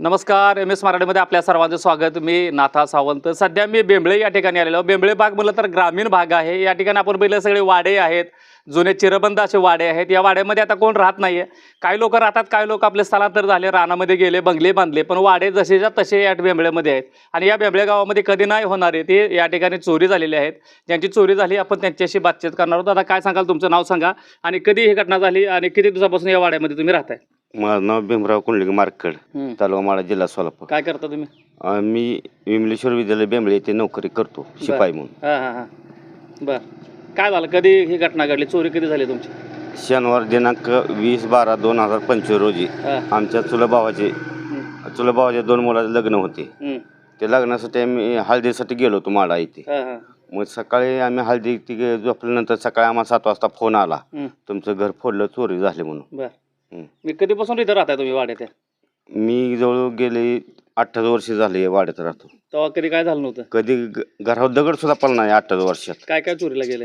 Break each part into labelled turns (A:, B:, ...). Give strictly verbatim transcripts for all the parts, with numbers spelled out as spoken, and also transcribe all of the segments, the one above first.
A: नमस्कार, M S मराठीमध्ये आपल्या सर्वांचं स्वागत. मी नाथा सावंत. सध्या मी बेंबळे या ठिकाणी आलेलो. बेंबळे भाग म्हटलं तर ग्रामीण भाग आहे. या ठिकाणी आपण पहिलं सगळे वाडे आहेत, जुने चिरबंद असे वाडे आहेत. या वाड्यामध्ये आता कोण राहत नाहीये. काही लोक राहतात, काही लोक आपले स्थलांतर झाले, रानामध्ये गेले, बंगले बांधले. पण वाडे जसेच्या तसे या बेंबळेमध्ये आहेत. आणि या बेंबळे गावामध्ये कधी नाही होणारे ते या ठिकाणी चोरी झालेली आहेत. ज्यांची चोरी झाली आपण त्यांच्याशी बातचीत करणार आहोत. आता काय सांगाल, तुमचं नाव सांगा आणि कधी ही घटना झाली आणि किती दिवसापासून या वाड्यामध्ये तुम्ही राहताय?
B: माझं नाव भीमराव कुंडलिक मार्कड, तालुका माडा, जिल्हा सोलापूर.
A: काय करता तुम्ही?
B: अं, मी विमलेश्वर विद्यालय बेंबळे येथे नोकरी करतो, शिपाई म्हणून.
A: हां हां हां बर. काय झालं, कधी ही घटना घडली, चोरी कधी झाली तुमची?
B: शनिवार दिनांक वीस बारा दोन हजार पंचवीस रोजी
A: हां.
B: आमच्या चुलभावाचे चुलभावाच्या दोन मुलाचे लग्न होते.
A: हं.
B: ते लग्नासाठी आम्ही हळदीसाठी गेलो होतो माडा इथे.
A: हां हां
B: मग सकाळी आम्ही हळदी ती झोपल्यानंतर सकाळी आम्हाला सात वाजता फोन आला,
A: हं.
B: तुमचं घर फोडलं, चोरी झाली म्हणून.
A: बर.
B: हं.
A: मी कधीपासून इथं राहताय तुम्ही वाड्यात?
B: मी जवळ गेले अठ्ठावीस वर्ष झाले वाड्यात राहतो.
A: तेव्हा कधी काय झालं नव्हतं?
B: कधी ग- घरावर दगड सुद्धा पडला नाही अठ्ठावीस वर्षात.
A: काय काय चोरीला गेले?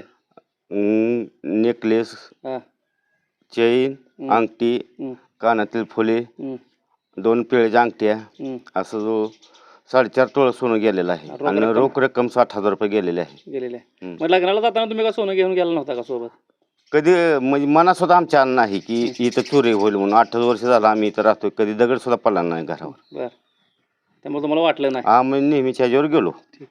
B: नेकलेस,
A: हां.
B: चैन,
A: हं.
B: अंगठी,
A: हं.
B: कानातील फुले,
A: हं.
B: दोन पिळ्याच्या अंगठ्या,
A: हं.
B: असं जो साडेचार तोळ सोनं गेलेलं आहे.
A: रोख
B: आणि
A: रक्कम?
B: रोख रक्कम साठ हजार रुपये गेलेले आहे.
A: गेलेले.
B: हं.
A: मग लग्नाला जाताना तुम्ही का सोनं घेऊन गेला नव्हता का सोबत?
B: कधी म्हणजे मनात सुद्धा आमच्या आलं नाही की इथं चोरी होईल म्हणून. अठ्ठावीस वर्ष झालं आम्ही इथं राहतोय, कधी दगड सुद्धा पडला नाही घरावर.
A: बर. त्यामुळे तुम्हाला वाटलं नाही?
B: आम्ही नेहमीच्या ह्याच्यावर गेलो.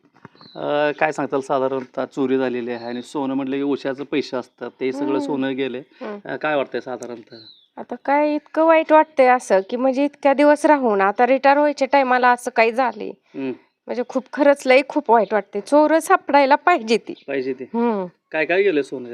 A: अं, काय सांगताल, साधारणतः चोरी झालेली आहे आणि सोनं म्हटलं की उशाचं पैसे असतात, ते सगळं सोनं गेले. अं, काय वाटतंय साधारणतः?
C: आता काय इतकं वाईट वाटतंय असं की म्हणजे इतक्या दिवस राहून आता रिटायर व्हायच्या टायमाला असं काही झाले,
A: हं.
C: म्हणजे खूप खरंच लई खूप वाईट वाटते. चोर सापडायला पाहिजे ती.
A: पाहिजे ते.
C: हम्म
A: काय काय गेलं सोनं?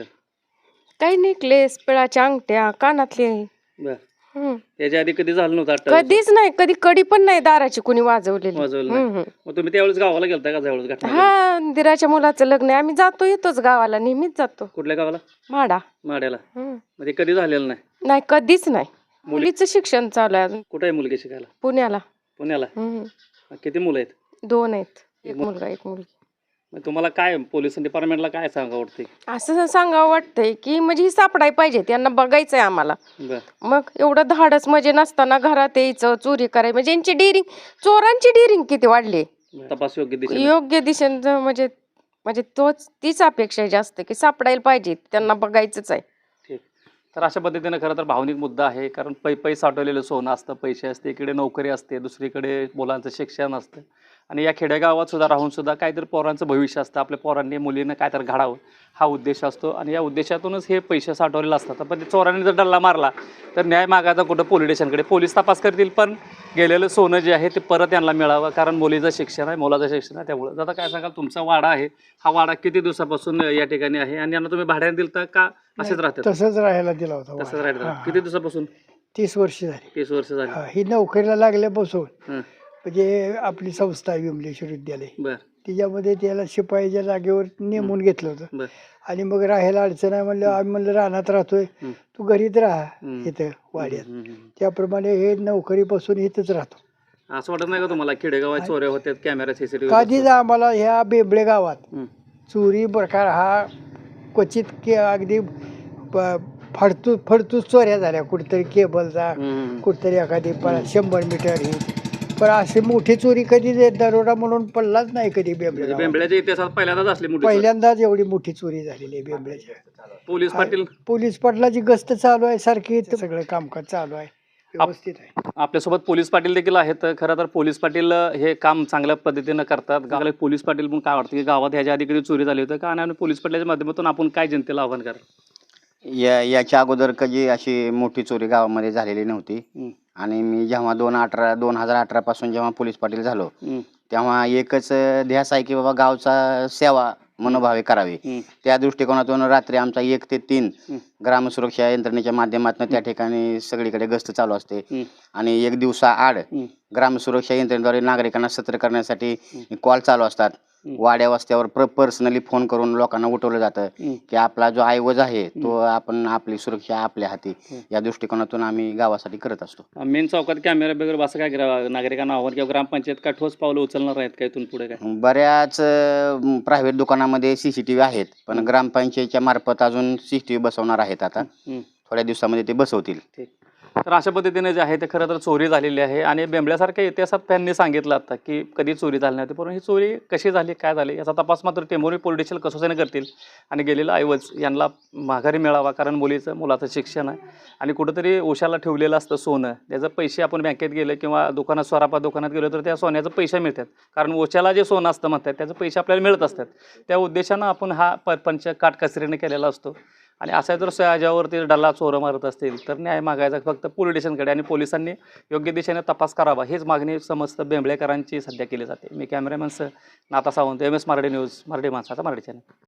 C: काही नेकलेस, पिळाच्या अंगठ्या, कानातले.
A: बर.
C: हम्म
A: याच्या आधी कधी झालं नव्हतं? अठ्ठावीस
C: कधीच नाही, कधी कडी पण नाही दाराची कुणी वाजवलेली.
A: वाजवलं नाही.
C: हम्म, हम्म.
A: मग तुम्ही त्यावेळेस गावाला गेलता का? ज्यावेळेस घटना घडली?
C: हा, दिराच्या मुलाचं लग्न आहे, आम्ही जातो येतोच गावाला, नेहमीच जातो.
A: कुठल्या गावाला?
C: माडा.
A: माड्याला.
C: हम्म.
A: मग ते कधी झालेलं नाही?
C: नाही, कधीच नाही. मुलीचं शिक्षण चालू आहे अजून,
A: कुठे आहे मुलगी शिकायला?
C: पुण्याला.
A: पुण्याला.
C: हम्म.
A: मग किती मुलं आहेत?
C: दोन आहेत, एक मुलगा एक मुलगी.
A: मग तुम्हाला काय पोलीस डिपार्टमेंटला काय सांगा वाटते?
C: असं सांगावं वाटतंय की म्हणजे ही सापडाय पाहिजे, त्यांना बघायचंय आम्हाला.
A: बर.
C: मग एवढं धाडस म्हणजे नसताना घरात यायचं, चोरी करायची, म्हणजे यांची डिरिंग, चोरांची डिरिंग किती वाढली.
A: तपास योग्य दिशेने.
C: योग्य दिशेनं म्हणजे म्हणजे तोच तीच अपेक्षा आहे जास्त की सापडायला पाहिजे, त्यांना बघायचंच आहे.
A: ठीक. तर अशा पद्धतीनं खरं तर भावनिक मुद्दा आहे. कारण पै पै साठवलेलं सोनं असतं, पैसे असते, इकडे नोकरी असते, दुसरीकडे मुलांचं शिक्षण असतं. आणि या खेडेगावात सुद्धा राहून सुद्धा काहीतरी पोरांचं भविष्य असतं. आपल्या पोरांनी मुलीनं काहीतरी घडावं हा उद्देश असतो. आणि या उद्देशातूनच हे पैसे साठवलेले असतात. पण ते चोरांनी जर डल्ला मारला तर न्याय मागायचा कुठं? पोलीस स्टेशनकडे. पोलीस तपास करतील, पण गेलेलं सोनं जे आहे ते परत यांना मिळावं. कारण मुलीचं शिक्षण आहे, मुलाचं शिक्षण आहे. त्यामुळं आता काय सांगाल, तुमचा वाडा आहे, हा वाडा किती दिवसापासून या ठिकाणी आहे आणि यांना तुम्ही भाड्याने दिलता का असेच राहतात?
D: तसंच राहायला दिला होता.
A: तसंच राहतात. किती दिवसापासून?
D: तीस वर्ष झाली.
A: तीस वर्ष झाली.
D: हा, ही नोकरीला लागल्यापासून
A: हं.
D: म्हणजे आपली संस्था आहे विमलेश्वर विद्यालय,
A: बर.
D: तिच्यामध्ये त्याला शिपाईच्या जागेवर नेमून घेतलं होतं.
A: बर.
D: आणि मग राहायला अडचण आहे म्हणलं, आम्ही म्हणलं रानात राहतोय,
A: हं.
D: तू घरीच राहा
A: हं.
D: इथं वाड्यात.
A: हं, हं.
D: त्याप्रमाणे हे नोकरीपासून इथंच राहतो.
A: असं वाटत नाही का तुम्हाला खेडेगावात चोऱ्या होत्यात, कॅमेरा सीसीटीव्ही?
D: कधीच आम्हाला ह्या बेंबळे गावात चोरी प्रकार हा क्वचित के अगदी प- फडतूस फडतूस चोऱ्या झाल्या. कुठेतरी केबलचा, कुठेतरी एखादी प- शंभर मीटर ही, पण अशी मोठी चोरी कधी जे दरोडा म्हणून पडलाच नाही कधी बेंबळे गावात.
A: बेंबळ्याच्या इतिहासात पहिल्यांदाच असली मोठी चोरी.
D: पहिल्यांदाच एवढी मोठी चोरी झालेली आहे बेंबळ्याच्या.
A: पोलीस पाटील
D: पोलीस पाटलाची गस्त चालू आहे सारखी, इथं सगळं कामकाज चालू आहे, व्यवस्थित आहे.
A: आपल्यासोबत पोलीस पाटील देखील आहेत. खरं तर पोलीस पाटील हे काम चांगल्या पद्धतीनं करतात. गावाला पोलीस पाटील पण काय वाटतं की गावात ह्याच्या आधी कधी चोरी झाली होती का? आणि पोलीस पाटलाच्या माध्यमातून आपण काय जनतेला आव्हान करा?
E: या याच्या अगोदर कधी अशी मोठी चोरी गावामध्ये झालेली नव्हती. आणि मी जेव्हा दोन अठरा दोन हजार अठरा पासून जेव्हा पोलीस पाटील झालो तेव्हा एकच ध्यास आहे की बाबा गावचा सेवा मनोभावे करावी. त्या दृष्टिकोनातून रात्री आमचा एक ते तीन ग्रामसुरक्षा यंत्रणेच्या माध्यमातून त्या ठिकाणी सगळीकडे गस्त चालू असते. आणि एक दिवसा आड ग्रामसुरक्षा यंत्रणेद्वारे नागरिकांना सतर्क करण्यासाठी कॉल चालू असतात. वाड्या वस्त्यावर प्र पर्सनली फोन करून लोकांना उठवलं जातं की आपला जो ऐवज आहे तो आपण, आपली सुरक्षा आपल्या हाती, या दृष्टिकोनातून आम्ही गावासाठी करत असतो.
A: मेन चौकात कॅमेरा वगैरे असं काय करा नागरिकांना आव्हान किंवा ग्रामपंचायत काय ठोस पावलं उचलणार आहेत का इथून पुढे? काय
E: बऱ्याच प्रायव्हेट दुकानामध्ये सीसीटीव्ही आहेत, पण ग्रामपंचायतच्या मार्फत अजून सीसीटीव्ही बसवणार आहेत. आता थोड्या दिवसामध्ये ते बसवतील.
A: ठीक. तर अशा पद्धतीने जे आहे ते खरं तर चोरी झालेली आहे आणि बेंबळ्यासारख्या इतिहासात त्यांनी सांगितलं आता की कधी चोरी झाली नव्हती, परंतु ही चोरी कशी झाली, काय झाली याचा तपास मात्र टेंभुर्णी पोलीस स्टेशन कसोशीने करतील आणि गेलेला ऐवज यांना माघारी मिळावा. कारण मुलीचं मुलाचं शिक्षण आहे आणि कुठंतरी उशाला ठेवलेलं असतं सोनं, त्याचं पैसे आपण बँकेत गेले किंवा दुकानात स्वरापा दुकानात गेलो तर त्या सोन्याचं पैसे मिळतात. कारण ओशाला जे सोनं असतं म्हणतात त्याचे पैसे आपल्याला मिळत असतात. त्या उद्देशानं आपण हा प पंच काटकसरीने केलेला असतो आणि असा जर याच्यावरती डल्ला चोरं मारत असतील तर न्याय मागायचा फक्त पोलीस स्टेशनकडे आणि पोलिसांनी योग्य दिशेने तपास करावा हीच मागणी समस्त बेंबळेकरांची सध्या केली जाते. मी cameraman Nata Sawant, M S Marathi news, Marathi माणसाचा मराठी चॅनल.